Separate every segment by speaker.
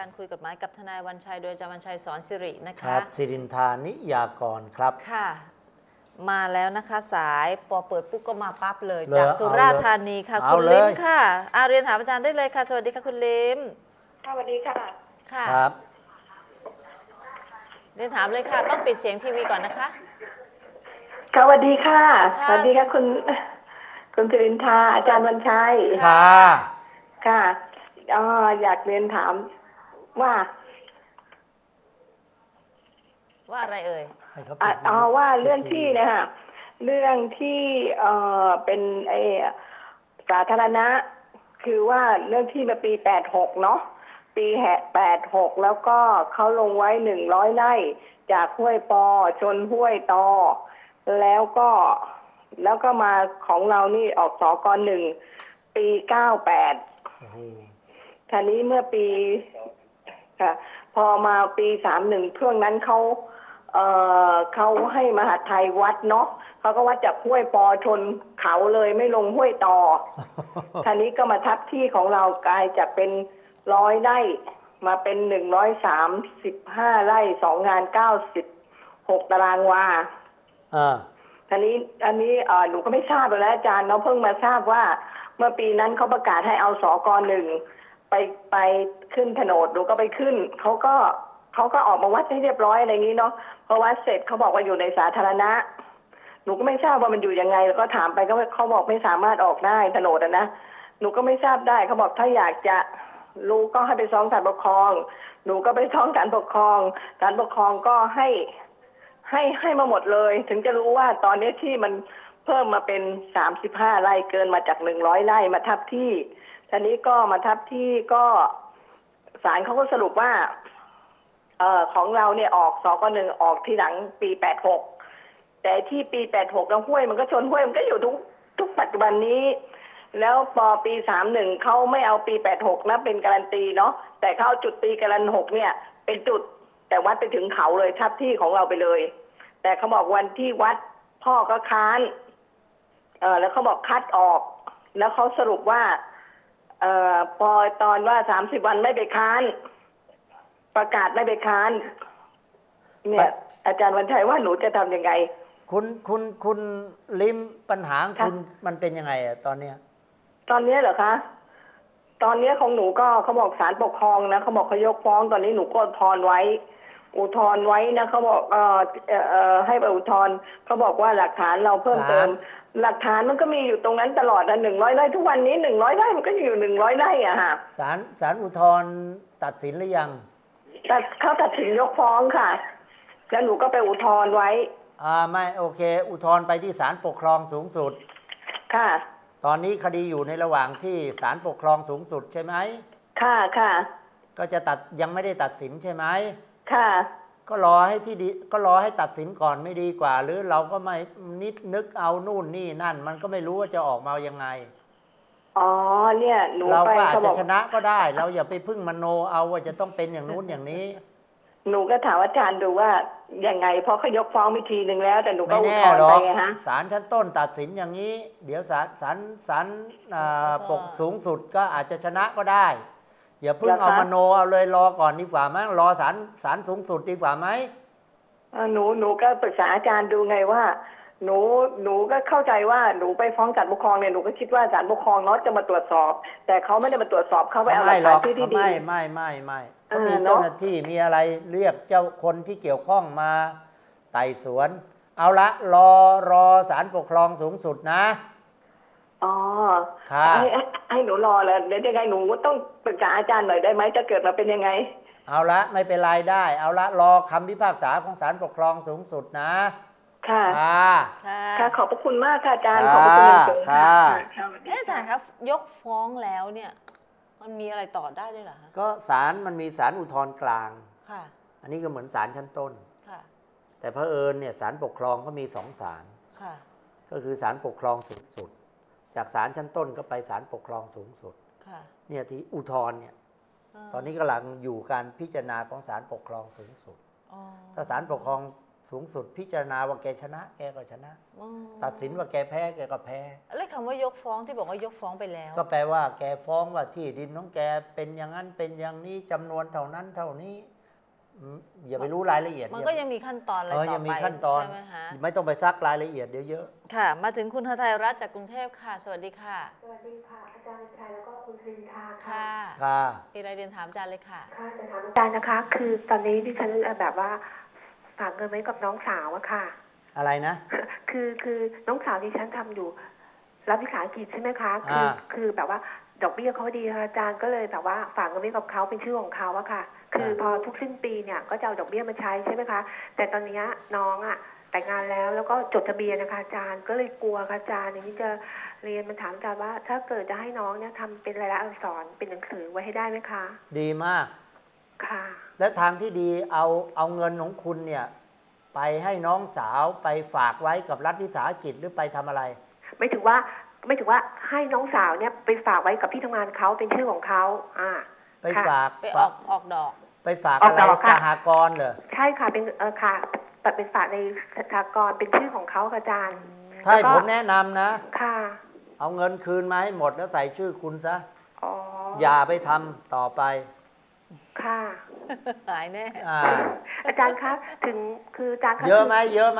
Speaker 1: การคุยกฎหมายกับทนายวันชัยโดยอาจารย์วันชัยสอนสิรินะคะ
Speaker 2: ครับสิรินทานิยากรครับ
Speaker 1: ค่ะมาแล้วนะคะสายพอเปิดปุ๊บก็มาปั๊บเลยจากสุราษฎร์ธานีค่ะคุณลิมค่ะเรียนถามอาจารย์ได้เลยค่ะสวัสดีค่ะคุณลิม
Speaker 3: สวัสดีค่ะ
Speaker 1: ค่ะครับเรียนถามเลยค่ะต้องปิดเสียงทีวีก่อนนะคะ
Speaker 3: สวัสดีค่ะสวัสดีค่ะคุณสิรินทาอาจารย์วันชัย
Speaker 2: ค่ะ
Speaker 3: ค่ะอยากเรียนถามว่า
Speaker 1: อะไรเอ่ย
Speaker 3: ว่าเรื่องที่นะคะเรื่องที่เป็นสาธารณะคือว่าเรื่องที่มาปี86เนาะปี86แล้วก็เขาลงไว้100 ไร่จากห้วยปอชนห้วยตอแล้วก็มาของเรานี่ออกสก1ปี98ทีนี้เมื่อปีค่ะพอมาปี31ช่วงนั้นเขาให้มหาไทยวัดเนาะเขาก็วัดจากห้วยปอชนเขาเลยไม่ลงห้วยตอทีนี้ก็มาทับที่ของเรากลายจากเป็น100 ไร่มาเป็น135 ไร่2 งาน96 ตารางวาอันนี้หนูก็ไม่ทราบแล้วอาจารย์เนาะเพิ่งมาทราบว่าเมื่อปีนั้นเขาประกาศให้เอาสก1ไปขึ้นโฉนดหนูก็ไปขึ้นเขาก็ออกมาวัดให้เรียบร้อยอะไรอย่างนี้เนาะพอวัดเสร็จเขาบอกว่าอยู่ในสาธารณะหนูก็ไม่ทราบว่ามันอยู่ยังไงแล้วก็ถามไปก็เขาบอกไม่สามารถออกได้โฉนดนะหนูก็ไม่ทราบได้เขาบอกถ้าอยากจะรู้ก็ให้ไปฟ้องศาลปกครองหนูก็ไปฟ้องศาลปกครองศาลปกครองก็ให้มาหมดเลยถึงจะรู้ว่าตอนนี้ที่มันเพิ่มมาเป็น35 ไร่เกินมาจาก100 ไร่มาทับที่ทีนี้ก็มาทับที่ก็ศาลเขาก็สรุปว่าของเราเนี่ยออกสก1ออกที่หลังปี86แต่ที่ปี86แล้วห้วยมันก็ชนห้วยมันก็อยู่ทุกปัจจุบันนี้แล้วพอปี31เขาไม่เอาปี86นะเป็นการันตีเนาะแต่เขาจุดปีการัน6เนี่ยเป็นจุดแต่วัดไปถึงเขาเลยทับที่ของเราไปเลยแต่เขาบอกวันที่วัดพ่อก็ค้านแล้วเขาบอกคัดออกแล้วเขาสรุปว่าพอตอนว่า30 วันไม่ไปค้านประกาศไม่ไปค้านเนี่ยอาจารย์วันชัยว่าหนูจะทำยังไง
Speaker 2: คุณลิมปัญหาคุณมันเป็นยังไงอะตอนเนี้ย
Speaker 3: เหรอคะตอนนี้ของหนูก็เขาบอกศาลปกครองนะเขาบอกเขายกฟ้องตอนนี้หนูก็อุทธรณ์ไว้นะเขาบอกให้ไปอุทธรณ์เขาบอกว่าหลักฐานเราเพิ่มเติมหลักฐานมันก็มีอยู่ตรงนั้นตลอดนะ100 ไร่ทุกวันนี้100 ไร่มันก็อยู่100 ไร่อะค่ะ
Speaker 2: ศาลอุทธรณ์ตัดสินหรือยัง
Speaker 3: เขาตัดสินยกฟ้องค่ะแล้วหนูก็ไปอุทธรณ์ไว้
Speaker 2: ไม่โอเคอุทธรณ์ไปที่ศาลปกครองสูงสุด
Speaker 3: ค่ะ
Speaker 2: ตอนนี้คดีอยู่ในระหว่างที่ศาลปกครองสูงสุดใช่ไหมค่ะก็จะยังไม่ได้ตัดสินใช่ไหม
Speaker 3: ค่ะ
Speaker 2: ก็รอให้ตัดสินก่อนไม่ดีกว่าหรือเราก็ไม่นึกเอานู่นนี่นั่นมันก็ไม่รู้ว่าจะออกมายังไง
Speaker 3: เนี่ยหนู
Speaker 2: เราก็อาจจะชนะก็ได้เราอย่าไปพึ่งมโนเอาว่าจะต้องเป็นอย่างนู้นอย่างนี้
Speaker 3: หนูก็ถามอาจารย์ดูว่ายังไงเพราะเขายกฟ้องวิธีหนึ่งแล้วแต่หนูก็อุทธรณ์ไปไงฮะ
Speaker 2: ศาลชั้นต้นตัดสินอย่างนี้เดี๋ยวศาลปกสูงสุดก็อาจจะชนะก็ได้อย่าพึ่งเอามโนเอาเลยรอก่อนดีกว่ามั้งรอศาลสูงสุดดีกว่าไหม
Speaker 3: หนูก็ปรึกษาอาจารย์ดูไงว่าหนูก็เข้าใจว่าหนูไปฟ้องศาลปกครองเนี่ยหนูก็คิดว่าศาลปกครองเนาะจะมาตรวจสอบแต่เขาไม่ได้มาตรวจสอบเขาไปเอาหลักฐานที่ดี
Speaker 2: ไม่เขามีเจ้าหน้าที่มีอะไรเรียกเจ้าคนที่เกี่ยวข้องมาไต่สวนเอาละรอศาลปกครองสูงสุดนะ
Speaker 3: ค่ะให้หนูรอเลยเดี๋ยวยังไงหนูต้องปรึกษาอาจารย์หน่อยได้ไหมจะเกิดมาเป็นยังไง
Speaker 2: เอาละไม่เป็นไรได้เอาละรอคำพิพากษาของศาลปกครองสูงสุดนะ
Speaker 3: ค่ะขอบพระคุณมากค่ะอาจารย์ขอบพระคุณจริงๆค่ะ
Speaker 1: อาจารย์ครับยกฟ้องแล้วเนี่ยมันมีอะไรต่อได้ด้วยเหรอคะ
Speaker 2: ก็มันมีศาลอุทธรณ์กลางค่ะอันนี้ก็เหมือนศาลชั้นต้นค่ะแต่เผอิญเนี่ยศาลปกครองก็มี2 ศาลค่ะก็คือศาลปกครองสูงสุดจากศาลชั้นต้นก็ไปศาลปกครองสูงสุดค่ะเนี่ยที่อุทธรณ์เนี่ยตอนนี้กำลังอยู่การพิจารณาของศาลปกครองสูงสุดถ้าศาลปกครองสูงสุดพิจารณาว่าแกชนะแกก็ชนะ
Speaker 1: อ๋อ
Speaker 2: ตัดสินว่าแกแพ้แกก็แพ้
Speaker 1: แล้วคำว่ายกฟ้องที่บอกว่ายกฟ้องไปแล้ว
Speaker 2: ก็แปลว่าแกฟ้องว่าที่ดินของแกเป็นอย่างนั้นเป็นอย่างนี้จำนวนเท่านั้นเท่านี้อย่าไปรู้รายละเอียด
Speaker 1: มันก็ยังมีขั้นตอนอะไรต่อ
Speaker 2: ยัง
Speaker 1: ไป
Speaker 2: มีขั้นตอน
Speaker 1: ใช่ไหมคะ
Speaker 2: ไม่ต้องไปซักรายละเอียดเดี๋ยวเยอะ
Speaker 1: ค่ะ มาถึงคุณหทัยรัตน์จากกรุงเทพค่ะ สวัสดีค่ะ
Speaker 4: สวัสดีค่ะอาจารย์ชัยแล้วก็คุณสิรินทาค่ะ
Speaker 1: ค่ะ
Speaker 2: ค่ะ
Speaker 1: มีอะไรเรียนถามอาจารย์เลยค่ะ
Speaker 4: ค่ะจะถามอาจารย์นะคะ คือตอนนี้ดิฉันแบบว่าฝากเงินไว้กับน้องสาวอะค่ะ
Speaker 2: อะไรนะ
Speaker 4: คือน้องสาวดิฉันทำอยู่รับวิสาหกิจใช่ไหมคะคือแบบว่าดอกเบี้ยเขาดีค่ะอาจารย์ก็เลยแบบว่าฝากเงินไว้กับเขาเป็นชื่อของเขาอะค่ะ คือพอทุกสิ้นปีเนี่ยก็จะเอาดอกเบี้ยมาใช้ใช่ไหมคะแต่ตอนนี้น้องอะแต่งงานแล้วก็จดทะเบียนนะคะอาจารย์ก็เลยกลัวค่ะอาจารย์อย่างนี้จะเรียนมันถามอาจารย์ว่า ถ้าเกิดจะให้น้องเนี่ยทำเป็นรายลักษณ์อักษรเป็นหนังสือไว้ให้ได้ไหมคะ
Speaker 2: ดีมาก
Speaker 4: ค่ะ
Speaker 2: และทางที่ดีเอาเงินของคุณเนี่ยไปให้น้องสาวไปฝากไว้กับรัฐวิสาหกิจหรือไปทำอะไร
Speaker 4: ไม่ถึงว่าให้น้องสาวเนี่ยไปฝากไว้กับที่ทำงานเขาเป็นชื่อของเขา
Speaker 2: ไปฝาก
Speaker 1: ไปออกดอก
Speaker 2: ไปฝาก
Speaker 4: ออก
Speaker 2: อะไร
Speaker 4: ดอกค่ะ
Speaker 2: สหกรณ์เหรอ
Speaker 4: ใช่ค่ะเป็นค่ะเป็นฝากในสหกรณ์เป็นชื่อของเขาค่ะอาจารย์
Speaker 2: ถ้าให้
Speaker 4: แล้วก็
Speaker 2: ผมแนะนำนะ
Speaker 4: ค่ะ
Speaker 2: เอาเงินคืนมาให้หมดแล้วใส่ชื่อคุณซะ
Speaker 4: อ๋อ
Speaker 2: อย่าไปทำต่อไป
Speaker 4: ค่ะ
Speaker 1: หายแน่
Speaker 4: อาจารย์คะถึงคืออาจารย์คะ
Speaker 2: เยอะไหมเยอะไหม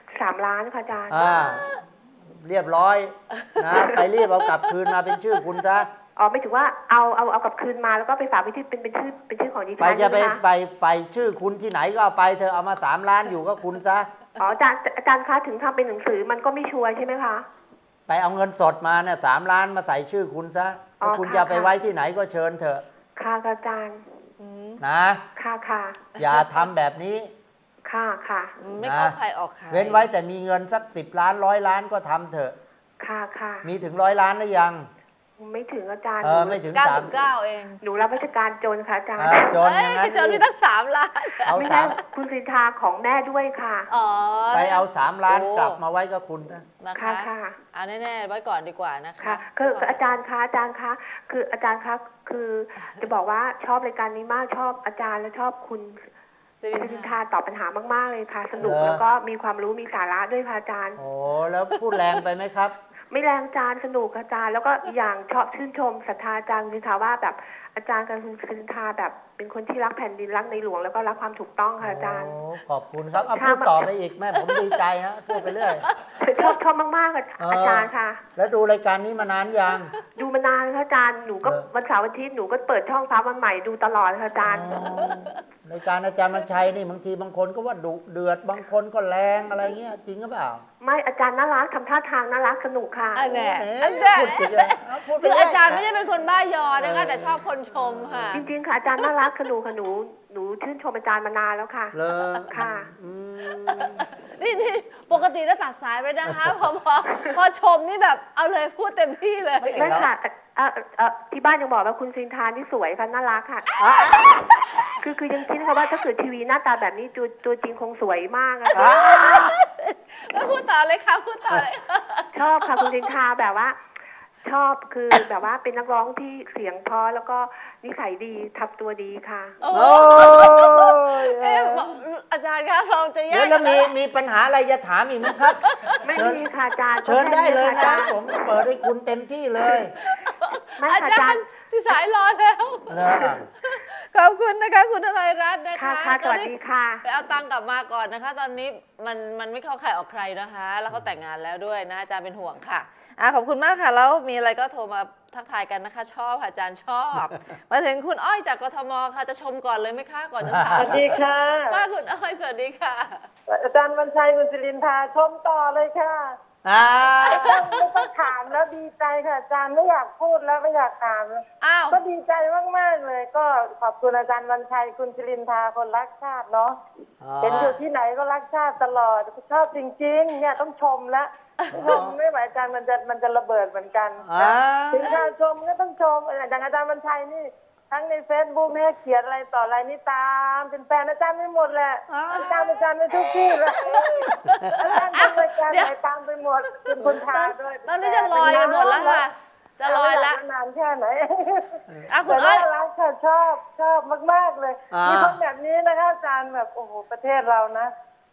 Speaker 4: 3 ล้านค่ะอาจารย์
Speaker 2: เรียบร้อยนะ ไปรีบเอากลับคืนมาเป็นชื่อคุณซะ
Speaker 4: อ๋อไม่ถึงว่าเอากลับคืนมาแล้วก็ไปฝากไว้ที่เป็นชื่อของดิฉัน
Speaker 2: ไปจะไป
Speaker 4: ใช่หมค
Speaker 2: ไฟชื่อคุณที่ไหนก็เอาไปเธอเอามา3 ล้านอยู่ก็คุณซะ
Speaker 4: อ๋ออาจารย์คะถึงทำเป็นหนังสือมันก็ไม่ชัวร์ใช่ไหมคะ
Speaker 2: ไปเอาเงินสดมาเนี่ย3 ล้านมาใส่ชื่อคุณซะ
Speaker 4: อ๋อ
Speaker 2: ถ้าคุณ
Speaker 4: ค่ะ
Speaker 2: จะไป
Speaker 4: ค่ะ
Speaker 2: ไว้ที่ไหนก็เชิญเถอะ
Speaker 4: ค่ะอาจารย์
Speaker 2: นะ
Speaker 4: ค่ะ
Speaker 2: อย่าทำแบบนี้
Speaker 4: ค่ะ
Speaker 1: ไม่เข้าใครออกใคร
Speaker 2: เว้นไว้แต่มีเงินสัก10 ล้าน100 ล้านก็ทำเถอะ
Speaker 4: ค่ะ
Speaker 2: มีถึง100 ล้านหรือยัง
Speaker 4: ไม่ถึงอาจารย์
Speaker 2: ไม่ถึง
Speaker 1: 99 เอง
Speaker 4: หนูรับราชการจนค่ะอาจารย์
Speaker 2: จนอย่างนั้น
Speaker 1: จนมีตั้ง3 ล้าน
Speaker 2: เอา
Speaker 4: ไม่
Speaker 2: สา
Speaker 4: ใช่
Speaker 2: ม
Speaker 4: คุณสินทาของแม่ด้วยค่ะ
Speaker 1: อ๋อ
Speaker 2: ไปเอา3 ล้าน
Speaker 1: โอ้
Speaker 2: กลับมาไว้กับคุณนะ
Speaker 1: นะคะ
Speaker 4: ค่ะ
Speaker 1: เอาแน่ๆไว้ก่อนดีกว่านะคะ
Speaker 4: ค่ะคืออาจารย์คะคืออาจารย์คะคือจะบอกว่าชอบรายการนี้มากชอบอาจารย์และชอบคุณ
Speaker 1: สิ
Speaker 4: สิ
Speaker 1: ริ
Speaker 4: ริ
Speaker 1: น
Speaker 4: น
Speaker 1: ทา
Speaker 4: ทาตอบปัญหามากๆเลยค่ะ สนุก
Speaker 2: เหรอ
Speaker 4: แล้วก็มีความรู้มีสาระด้วยค่ะอาจารย์
Speaker 2: โอ้แล้วพูดแรงไปไหมครับ
Speaker 4: ไม่แรงอาจารย์สนุกอาจารย์ แล้วก็อีกอย่างชอบชื่นชมศรัทธาอาจารย์สิรินทาว่าแบบอาจารย์กับคุณสิรินทาแบบเป็นคนที่รักแผ่นดินรักในหลวงแล้วก็รักความถูกต้องค่ะอาจารย์
Speaker 2: โอ้ขอบคุณครับเอา
Speaker 4: ค่ะ
Speaker 2: พูดต่อไปอีกแม่ผมดีใจฮะพูดไปเรื่อย
Speaker 4: ชอบมากๆอาจารย์ค่ะ
Speaker 2: แล้วดูรายการนี้มานานยัง
Speaker 4: ดูมานานค่ะอาจารย์หนูก็
Speaker 2: เหรอ
Speaker 4: วันเสาร์อาทิตย์หนูก็เปิดช่องฟ้าวันใหม่ดูตลอดค่ะอาจารย์
Speaker 2: รายการอาจารย์บรรชัยนี่บางทีบางคนก็ว่าดุเดือดบางคนก็แรงอะไรเงี้ยจริงหรือเปล่า
Speaker 4: ไม่อาจารย์น่ารักทำท่าทางน่ารักสนุกค่ะ
Speaker 1: อันแน่
Speaker 2: เอ๊ะ
Speaker 1: อันแน่
Speaker 2: พูดสิเลยเพูดไป
Speaker 1: คือ
Speaker 2: เ
Speaker 1: อาจารย์ไม่ได้เป็นคนบ้ายอนะคะแต่ชอบคนชมค่ะ
Speaker 4: จริงๆค่ะอาจารย์น่ารักค่ะหนูชื่นชมอาจารย์มานานแล้วค่ะ
Speaker 2: เลย
Speaker 4: ค่ะ
Speaker 2: อืม
Speaker 1: นี่ปกติจะตัดสายไปนะคะ พอชมนี่แบบเอาเลยพูดเต็มที่เลย
Speaker 2: ไม่
Speaker 4: ไม่ค่ะที่บ้านยังบอกว่าคุณซินทานที่สวยค่ะน่ารักค่ะ คือยังคิดค่ะว่าถ้าเกิดทีวีหน้าตาแบบนี้ตัวจริงคงสวยมากอะค่ะ
Speaker 1: แล้วพูดต่อเลยค่ะพูดต่อเลยค่ะ
Speaker 4: ชอบค่ะคุณซินทาแบบว่า ชอบคือแบบว่าเป็นนักร้องที่เสียงเพราะแล้วก็นิสัยดีทับตัวดีค่ะ
Speaker 1: โอ้
Speaker 2: โอ้ย
Speaker 1: เอ๊ะบอกอาจารย์คะเราจะแย
Speaker 2: เดี๋ยว
Speaker 1: ก
Speaker 2: แล้วมีปัญหาอะไรจะถามอีกไหมครับ
Speaker 4: ไม่มีค่ะอาจารย์
Speaker 2: เชิญได้เลย
Speaker 4: ค่ะ
Speaker 2: นะผมเปิดให้คุณเต็มที่เลย
Speaker 4: ไม่
Speaker 1: อา
Speaker 4: ค่ะอา
Speaker 1: จา
Speaker 4: จาร ร
Speaker 1: ย์
Speaker 4: ย์
Speaker 1: ที่สายรอแล้ว
Speaker 2: นะ
Speaker 1: ขอบคุณนะคะคุณทนายรัตน์นะคะ
Speaker 4: ค่ะสวัสดีค่ะ
Speaker 1: ไปเอาตังค์กลับมาก่อนนะคะ ตอนนี้มันไม่เข้าใครออกใครนะคะ แล้วเขาแต่งงานแล้วด้วยนะอาจารย์เป็นห่วงค่ะขอบคุณมากค่ะแล้วมีอะไรก็โทรมาทักทายกันนะคะ ชอบค่ะอาจารย์ชอบ มาถึงคุณอ้อยจากกทมค่ะจะชมก่อนเลยไหมคะก่อนจะถาม
Speaker 5: สวัสดีค่ะ
Speaker 1: ค่ะคุณอ้อยสวัสดีค่ะ
Speaker 5: อาจารย์บรรชัยคุณสิรินทาชมต่อเลยค่ะ
Speaker 2: อ่า
Speaker 5: ไม่ต้องถามแล้วดีใจค่ะอาจารย์ไม่อยากพูดแล้วไม่อยากถาม
Speaker 1: อ้าว
Speaker 5: ก็ดีใจมากๆเลย ก็ขอบคุณอาจารย์บรรชัยคุณสิรินทาคนรักชาติเนาะเห็นอยู่ที่ไหนก็รักชาติตลอดชอบจริงๆเนี่ยต้องชมแล้วชมไม่ไหวอาจารย์มันจะระเบิดเหมือนกัน
Speaker 2: อ่า
Speaker 5: ถึงการชมก็ต้องชมอย่างอาจารย์บรรชัยนี่ทั้งใน Facebook เนี่ยเขียนอะไรต่ออะไรนี่ตามเป็นแฟนอาจารย์ไม่หมดแหละอาจารย์ในทุกที่เลยอาจารย์ทำรายการไหนตามไปหมดเป็นคนทาด้วย
Speaker 1: ตอนนี้จะลอยกันหมดแล้วค่ะ จะลอยละ
Speaker 5: นานแค่ไหน
Speaker 1: คุ
Speaker 5: แต่
Speaker 1: ณอ้อย
Speaker 5: น่ารักค่ะชอบมากๆเลย มีคนแบบนี้นะคะอาจารย์แบบโอ้โหประเทศเรานะ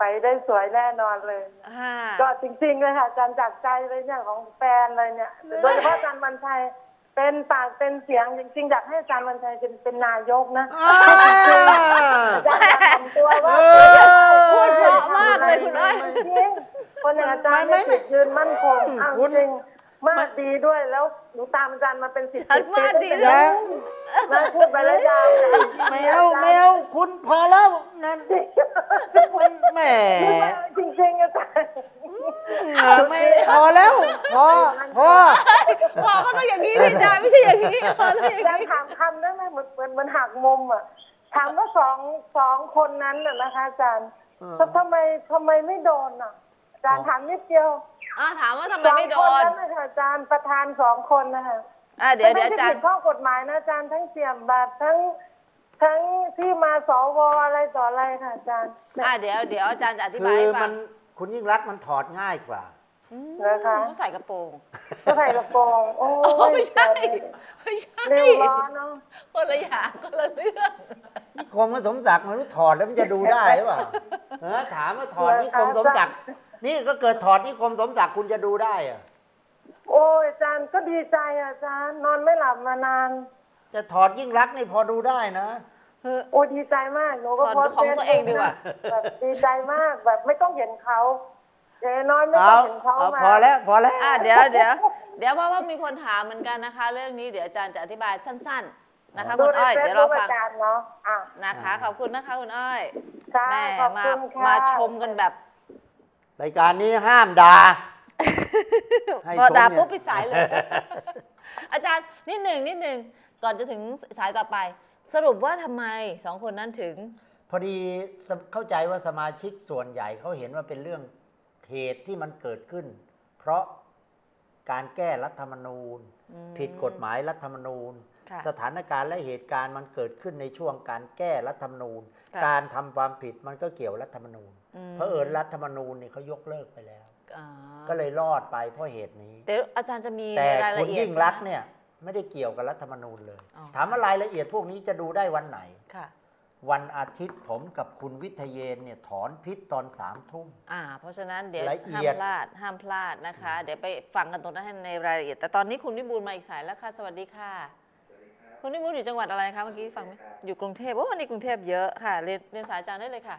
Speaker 5: ไปได้สวยแน่นอนเลย
Speaker 1: ค่ะ
Speaker 5: ก็จริงๆเลยค่ะอาจารย์จากใจเลยเนี่ยของแฟนเลยเนี่ยโดยเฉพาะอาจารย์วันชัยเป็นปากเป็นเสียงจริงๆอยากให้อาจารย์วันชัยเป็นนายกนะอาจารย์อยากทำตัวว่า
Speaker 1: พูดเพราะมากเลยคุณอ้อย
Speaker 5: จริงคนอย่างอาจารย์ไม่จุดยืนมั่นคงอ้าวจริงมากดีด้วยแล้วหนูตามอาจารย์มาเป็น10 ปี
Speaker 1: มาดี
Speaker 5: แล้
Speaker 1: แล้ว
Speaker 5: มาพูดไปแล้วยาวเลย
Speaker 2: แมวคุณพอแล้วนั่นมันแหม
Speaker 5: จริงๆอาจารย์
Speaker 2: ไม่พอแล้วพอ
Speaker 1: พอก็ต้องอย่างนี้ดิอาจารย์ไม่ใช่อย่างนี้พอต้องอย่าง
Speaker 5: อาจาร
Speaker 1: นี้
Speaker 5: ย์ถามคำได้ไหมเหมือนหักมุมอ่ะถามว่าสองคนนั้นน่ะนะคะอาจารย์ทำไมไม่โดนอ่ะอาจารย์ถามนิดเดียว
Speaker 1: ถามว่าทำไมไม่โด
Speaker 5: สองคน
Speaker 1: น
Speaker 5: นั้นนะคะอาจารย์ประธาน2 คนนะคะ
Speaker 1: เดี๋ยวอาจาร
Speaker 5: ไม่
Speaker 1: ย์
Speaker 5: ได้ผิดข้อกฎหมายนะอาจารย์ทั้งเสี่ยมบัตรทั้งที่มาสวอะไรต่ออะไรค่ะอาจารย์
Speaker 1: เดี๋ยวอาจารย์จะอธิ
Speaker 2: คื
Speaker 1: บาย
Speaker 2: อ
Speaker 1: ให้ฟั
Speaker 2: มั
Speaker 1: ง
Speaker 2: นคุณยิ่งรักษณ์มันถอดง่ายกว่า
Speaker 5: นะคะ
Speaker 1: เขาใส่กระโปรง
Speaker 5: ก็ใส่กระโปรงโอ้
Speaker 1: ไม่ใช่ไม่ใช่
Speaker 5: เร็วร้อนเนาะ
Speaker 1: คนละอย่างคนละเรื่อง
Speaker 2: นิคมกับสมศักดิ์มันรู้ถอดแล้วมันจะดูได้หรือเปล่าถามว่าถอดนิคมสมศักดิ์นี่ก็เกิดถอดนิคมสมศักดิ์คุณจะดูได้อะ
Speaker 5: โอ้ยอาจารย์ก็ดีใจอาจารย์นอนไม่หลับมานาน
Speaker 2: จะถอดยิ่งรักษณ์นี่พอดูได้นะ
Speaker 5: โอ้ดีใจมากหนูก็โพสต์
Speaker 1: ของตัวเองดีกว่า
Speaker 5: แบบดีใจมากแบบไม่ต้องเห็นเขาอย่างน้อยไม่ต้องเห็นเขามา
Speaker 2: พอแล้ว
Speaker 1: เดี๋ยวเพราะว่ามีคนถามเหมือนกันนะคะ เรื่องนี้เดี๋ยวอาจารย์จะอธิบายสั้นๆนะคะคุณอ้อยเดี๋ยวเราฟัง
Speaker 5: อาจารย์เนาะ
Speaker 1: นะคะขอบคุณนะคะคุณอ้อย
Speaker 5: ค่ะ
Speaker 1: แม่
Speaker 5: ขอบคุณค่ะ
Speaker 1: มาชมกันแบบ
Speaker 2: รายการนี้ห้ามด่า ให้
Speaker 1: พอด่า
Speaker 2: ชมเนี่ย
Speaker 1: ปุ๊บปิดสายเลย อาจารย์นิดหนึ่งก่อนจะถึงสายต่อไป สรุปว่าทำไม2 คนนั้นถึง
Speaker 2: พอดีเข้าใจว่าสมาชิกส่วนใหญ่เขาเห็นว่าเป็นเรื่องเหตุที่มันเกิดขึ้น เพราะการแก้รัฐธรรมนูญ ผิดกฎหมายรัฐธรรมนูญ
Speaker 1: ค่ะ
Speaker 2: สถานการณ์และเหตุการณ์มันเกิดขึ้นในช่วงการแก้รัฐธรรมนูญ
Speaker 1: ค่ะ
Speaker 2: การทำความผิดมันก็เกี่ยวรัฐธรรมนูญ เพราะรัฐธรรมนูญนี่เขายกเลิกไปแล้ว ก็เลยรอดไปเพราะเหตุนี้
Speaker 1: เดี๋ยวอาจารย์จะมี
Speaker 2: แต่
Speaker 1: ในราย
Speaker 2: คุ
Speaker 1: ละ
Speaker 2: ณ
Speaker 1: เอียด
Speaker 2: ยิ่งรักษณ์
Speaker 1: ใช่ไหม
Speaker 2: เนี่ยไม่ได้เกี่ยวกับรัฐธรรมนูญเลย
Speaker 1: อ๋อ
Speaker 2: ถามว่ารายละเอียดพวกนี้จะดูได้วันไหน
Speaker 1: ค่ะ
Speaker 2: วันอาทิตย์ผมกับคุณวิทยเยนเนี่ยถอนพิษตอน3 ทุ่ม
Speaker 1: เพราะฉะนั้นเดี๋ยว
Speaker 2: ละเอี
Speaker 1: ห้าม
Speaker 2: ยด
Speaker 1: พลาดนะคะ เดี๋ยวไปฟังกันตรงนั้นให้ในรายละเอียด แต่ตอนนี้คุณวิบูลย์มาอีกสายแล้วค่ะ สวัสดีค่ะ คุณวิบูลย์อยู่จังหวัดอะไรคะเมื่อกี้ฟังไหมอยู่กรุงเทพวันนี้กรุงเทพเยอะค่ะเรียนสายอาจารย์ได้เลยค่ะ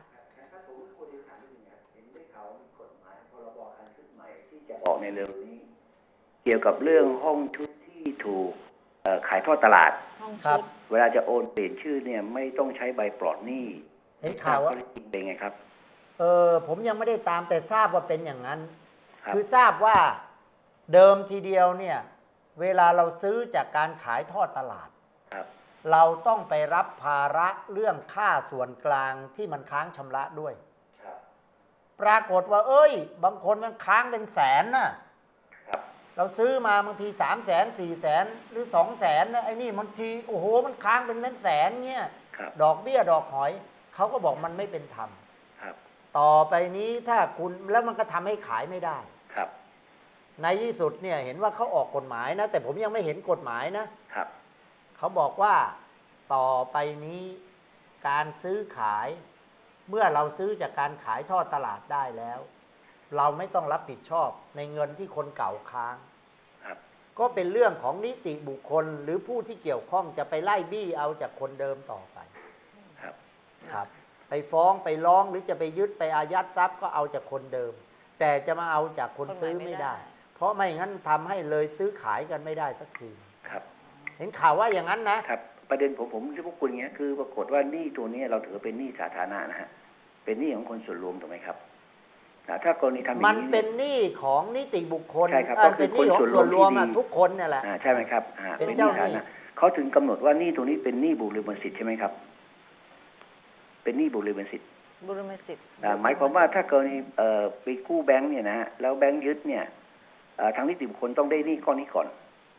Speaker 6: ออกในเร็วนี้ เกี่ยวกับเรื่องห้องชุดที่ถูกขายทอดตลาด
Speaker 1: ห้อง
Speaker 2: ครั
Speaker 1: ชุ
Speaker 2: บ
Speaker 1: ด
Speaker 6: เวลาจะโอนเปลี่ยนชื่อเนี่ยไม่ต้องใช้ใบปลอดหนี้
Speaker 2: เห็นข่าวว่า
Speaker 6: ข้อเท็จจริงเป็นไงครับ
Speaker 2: ผมยังไม่ได้ตามแต่ทราบว่าเป็นอย่างนั้น
Speaker 6: ครับ
Speaker 2: คือทราบว่าเดิมทีเดียวเนี่ยเวลาเราซื้อจากการขายทอดตลาด
Speaker 6: ครับ
Speaker 2: เราต้องไปรับภาระเรื่องค่าส่วนกลางที่มันค้างชำระด้วย
Speaker 6: ครับ
Speaker 2: ปรากฏว่าบางคนมันค้างเป็นแสนน่ะ
Speaker 6: ครับ
Speaker 2: เราซื้อมาบางที300,000 400,000หรือ200,000นะไอ้นี่บางทีโอ้โหมันค้างเป็นแสนเนี่ย
Speaker 6: ครับ
Speaker 2: ดอกเบี้ยดอกหอยเขาก็บอกมันไม่เป็นธรรม
Speaker 6: ครับ
Speaker 2: ต่อไปนี้ถ้าคุณแล้วมันก็ทำให้ขายไม่ได้
Speaker 6: ครับ
Speaker 2: ในที่สุดเนี่ยเห็นว่าเขาออกกฎหมายนะแต่ผมยังไม่เห็นกฎหมายนะครับ เขาบอกว่าต่อไปนี้การซื้อขายเมื่อเราซื้อจากการขายทอดตลาดได้แล้ว เราไม่ต้องรับผิดชอบในเงินที่คนเก่าค้าง
Speaker 6: ครับ
Speaker 2: ก็เป็นเรื่องของนิติบุคคลหรือผู้ที่เกี่ยวข้องจะไปไล่บี้เอาจากคนเดิมต่อไป
Speaker 6: ครับ
Speaker 2: ครับไปฟ้องไปร้องหรือจะไปยึดไปอายัดทรัพย์ก็เอาจากคนเดิม แต่จะมาเอาจากคนซื้อไม่ได้ เพราะไม่งั้นทำให้เลยซื้อขายกันไม่ได้สักที
Speaker 6: ครับ
Speaker 2: เห็นข่าวว่าอย่างนั้นนะครับ
Speaker 6: ประเด็นผมที่พวกคุณเนี้ยคือปรากฏว่าหนี้ตัวนี้เราถือเป็นหนี้สาธารณะนะฮะ เป็นหนี้ของคนส่วนรวมถูกไหมครับ ถ้ากรณีทำอย่างนี้
Speaker 2: มันเป็นหนี้ของนิติบุคคล
Speaker 6: ใช่ครับ
Speaker 2: เป็นหนี้ของส่วนรวมอะทุกคนเนี่ยแหละ
Speaker 6: ใช่ไหมครับ
Speaker 2: เป็นเจ้าหนี้
Speaker 6: สธรณะเขาถึงกำหนดว่าหนี้ตัวนี้เป็นหนี้บุริมสิทธิ์ใช่ไหมครับ เป็นหนี้บุริมสิทธิ์
Speaker 1: บุรมสิทธิ์
Speaker 6: หมายความว่าถ้ากรณีไปกู้แบงค์เนี่ยนะฮะแล้วแบงค์ยึดเนี่ยทางนิติบุคคลต้องได้หนี้ก้อนนี้ก่อน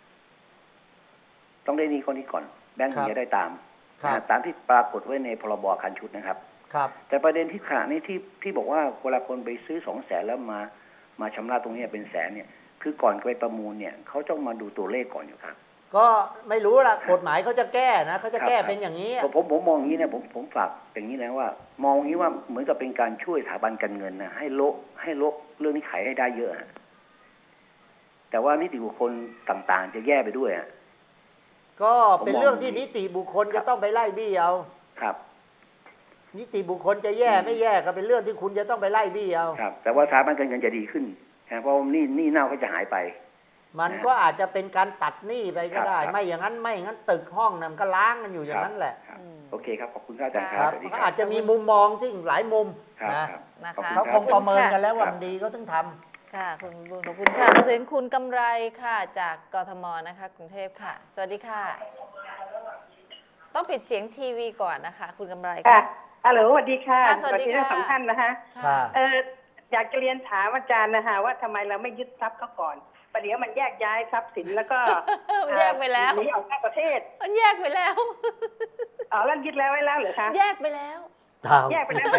Speaker 6: ต้องได้หนี้ก้อนนี้ก่อน แบงค์ถึงจะได้ตามตามที่ปรากฏไว้ในพรบอาคารชุดนะครับ
Speaker 2: ครับ
Speaker 6: แต่ประเด็นที่ขณะนี้ที่บอกว่าเวลาคนไปซื้อ200,000แล้วมาชำระตรงนี้เป็นแสนเนี่ยคือก่อนไปประมูลเนี่ยเขาต้องมาดูตัวเลขก่อนอยู่ครับ
Speaker 2: ก็ไม่รู้ล่ะกฎหมายเขาจะแก้นะเขาจะแก้เป็นอย่างนี้
Speaker 6: ผมมองอย่างนี้นะผมฝากอย่างนี้นะว่ามองอย่างนี้ว่าเหมือนกับเป็นการช่วยสถาบันการเงินนะให้ลบเรื่องนี้ขายให้ได้เยอะแต่ว่านิติบุคคลต่างๆจะแย่ไปด้วย
Speaker 2: ก็เป็นเรื่องที่นิติบุคคลจะต้องไปไล่บี้เอา
Speaker 6: ครับ
Speaker 2: นิติบุคคลจะแย่ไม่แย่ก็เป็นเรื่องที่คุณจะต้องไปไล่บี้เอา
Speaker 6: ครับแต่ว่าสถาบันการเงินจะดีขึ้นเพราะนี่เน่าก็จะหายไป
Speaker 2: มันก็อาจจะเป็นการตัดหนี้ไปก็ได้ไม่อย่างนั้นตึกห้องนั้นก็ล้างกันอยู่อย่างนั้นแหละ
Speaker 6: โอเคครับขอบคุณอาจารย์
Speaker 2: ครับก็อาจจะมีมุมมองที่หลายมุมนะเขาคงประเมินกันแล้วว่ามันดีเขาต้องทำ
Speaker 1: ค่ะคุณบุญขอบคุณค่ะมาถึงคุณกำไรค่ะจากกทมนะคะกรุงเทพค่ะสวัสดีค่ะต้องปิดเสียงทีวีก่อนนะคะคุณกำไรค่ะ
Speaker 5: ฮัลโหลสวัสดีค่ะ
Speaker 1: สวัสดีค่ะ
Speaker 5: ทั้งสองท่านนะคะอยากจะเรียนถามอาจารย์นะคะว่าทำไมเราไม่ยึดทรัพย์เขาก่อนประเดี๋ยวมันแยกย้ายทรัพย์สินแล้วก็
Speaker 1: แยกไปแล้ว
Speaker 5: หนีออกนอกประเทศ
Speaker 1: มันแยกไปแล้ว
Speaker 5: แล้วยึดแล้วไว้แล้วเหรอคะ
Speaker 1: แยกไปแล้ว
Speaker 5: แยกไปแล้ว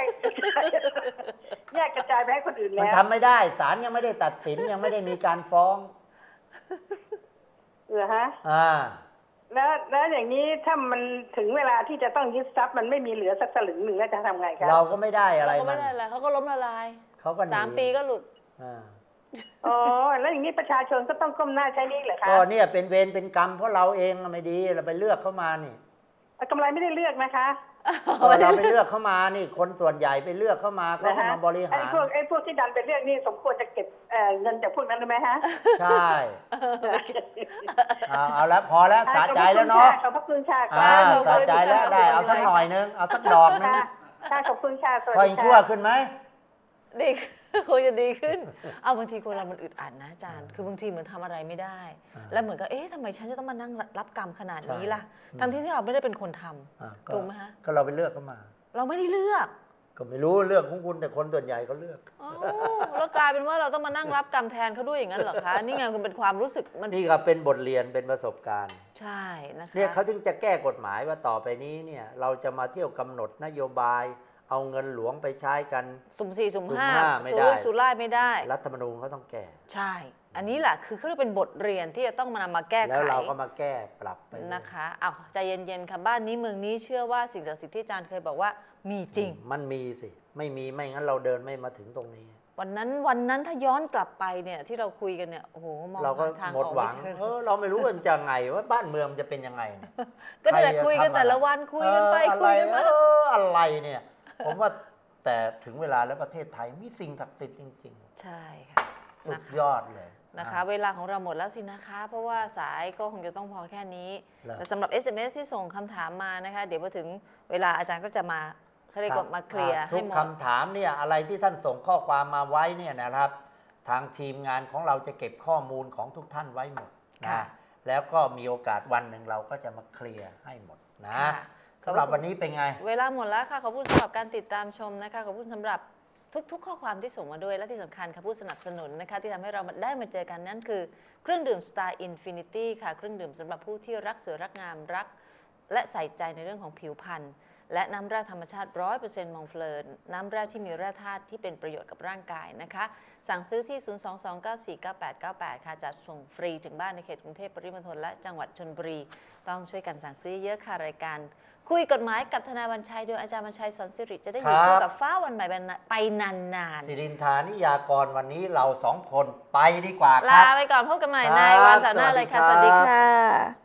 Speaker 5: แยกกระจายไปให้คนอื่นแล้ว
Speaker 2: มันทำไม่ได้ศาลยังไม่ได้ตัดสินยังไม่ได้มีการฟ้อง
Speaker 5: เหรอฮะแล้วอย่างนี้ถ้ามันถึงเวลาที่จะต้องยึดทรัพย์มันไม่มีเหลือสักสลึงหนึ่งแล้วจะทำไงครับ
Speaker 2: เราก็ไม่ได้อะไร
Speaker 1: เราก็ไม่ได้อะไรเขาก็ล้มละลาย
Speaker 2: เขาก็
Speaker 1: 3 ปีก็หลุด
Speaker 5: แล้วอย่างนี้ประชาชนก็ต้องก้มหน้าใช้หนี้เหรอคะ
Speaker 2: ก็เนี่ยเป็นเวรเป็นกรรมเพราะเราเองไม่ดีเราไปเลือกเข้ามานี่
Speaker 5: กำไรไม่ได้เลือกนะคะ
Speaker 2: เราไปเลือกเข้ามานี่คนส่วนใหญ่ไปเลือกเข้ามาเขามาบริหาร
Speaker 5: ไอ้พวกที่ดันไปเลือกนี่สมควรจะเก็บเงินจากพวกนั้นได้ไหมฮะ
Speaker 2: ใช่เอาแล้วพอแล้วสะใจแล้วเนาะ
Speaker 5: ขอบพระคุณค่ะ
Speaker 2: สะใจแล้วได้เอาสักหน่อยนึงเอาสักดอกนึง
Speaker 5: ขอบคุณค่ะ
Speaker 2: คอยชั่วขึ้นไหม
Speaker 1: ดีคงจะดีขึ้นเอาบางทีคนเรามันอึดอัดนะอาจารย์คือบางทีเหมือนทำอะไรไม่ได้แล้วเหมือนกับทำไมฉันจะต้องมานั่งรับกรรมขนาดนี้ล่ะทั้งที่เราไม่ได้เป็นคนทำถูกไหมฮะ
Speaker 2: ก็เราไปเลือกเข้ามา
Speaker 1: เราไม่ได้เลือก
Speaker 2: ก็ไม่รู้เลือกของคุณแต่คนส่วนใหญ่เขาเลือก
Speaker 1: แล้วกลายเป็นว่าเราต้องมานั่งรับกรรมแทนเขาด้วยอย่างนั้นเหรอคะนี่ไงมันเป็นความรู้สึกมัน
Speaker 2: นี่ก็เป็นบทเรียนเป็นประสบการณ์
Speaker 1: ใช่นะคะ
Speaker 2: เนี่ยเขาจึงจะแก้กฎหมายว่าต่อไปนี้เนี่ยเราจะมาเที่ยวกำหนดนโยบายเอาเงินหลวงไปใช้กัน
Speaker 1: สุ่ม 4 สุ่ม 5ไม่ได้สุ่มไล่ไม่ได้
Speaker 2: รัฐธรรมนูญเขาต้องแก้
Speaker 1: ใช่อันนี้แหละคือเขาเรียกเป็นบทเรียนที่จะต้องนำมาแก้ไข
Speaker 2: แล้วเราก็มาแก้ปรับไป
Speaker 1: นะคะเอาใจเย็นๆค่ะบ้านนี้เมืองนี้เชื่อว่าสิ่งศักดิ์สิทธิ์ที่อาจารย์เคยบอกว่ามีจริง
Speaker 2: มันมีสิไม่มีไม่งั้นเราเดินไม่มาถึงตรงนี้
Speaker 1: วันนั้นถ้าย้อนกลับไปเนี่ยที่เราคุยกันเนี่ยโอ้โหมองทางออกไม่เจอ
Speaker 2: เราไม่รู้ว่ามันจะไงว่าบ้านเมืองจะเป็นยังไง
Speaker 1: ก็แต่คุยกันแต่ละวันคุยกันไปคุยกันมา
Speaker 2: อะไรเนี่ยผมว่าแต่ถึงเวลาแล้วประเทศไทยมีสิ่งศักดิ์สิทธิ์จริง
Speaker 1: ๆใช่ค่ะ
Speaker 2: สุดยอดเลย
Speaker 1: นะคะเวลาของเราหมดแล้วสินะคะเพราะว่าสายก็คงจะต้องพอแค่นี้แต่สำหรับ SMS ที่ส่งคำถามมานะคะเดี๋ยวพอถึงเวลาอาจารย์ก็จะมาเขาเรียกว่ามาเคลียร์ให้หมด
Speaker 2: ทุกคำถามเนี่ยอะไรที่ท่านส่งข้อความมาไว้เนี่ยนะครับทางทีมงานของเราจะเก็บข้อมูลของทุกท่านไว้หมดนะแล้วก็มีโอกาสวันหนึ่งเราก็จะมาเคลียร์ให้หมดนะสำหรับวันนี้เป็นไง
Speaker 1: เวลาหมดแล้วค่ะขอบคุณสำหรับการติดตามชมนะคะขอบคุณสำหรับทุกข้อความที่ส่งมาด้วยและที่สำคัญค่ะผู้สนับสนุนนะคะที่ทำให้เราได้มาเจอกันนั่นคือเครื่องดื่ม Star Infinity ค่ะเครื่องดื่มสำหรับผู้ที่รักสวยรักงามรักและใส่ใจในเรื่องของผิวพรรณและน้ำแร่ธรรมชาติ 100% มองเฟลอร์น้ำแร่ที่มีแร่ธาตุที่เป็นประโยชน์กับร่างกายนะคะสั่งซื้อที่ 022949898 ค่ะจัดส่งฟรีถึงบ้านในเขตกรุงเทพปริมณฑลและจังหวัดชลบุรีต้องช่วยกันสั่งซื้อเยอะค่ะรายการคุยกฎหมายกับทนายวันชัยโดยอาจารย์วันชัยสอนสิริจะได้อยู่คู่กับฟ้าวันใหม่ไปนาน
Speaker 2: ๆสิรินทานิยากรวันนี้เรา2 คนไปดีกว่า
Speaker 1: ลาไปก่อนพบกันใหม่ในวันเสาร์หน้าเลยค่ะสวัสดีค่ะ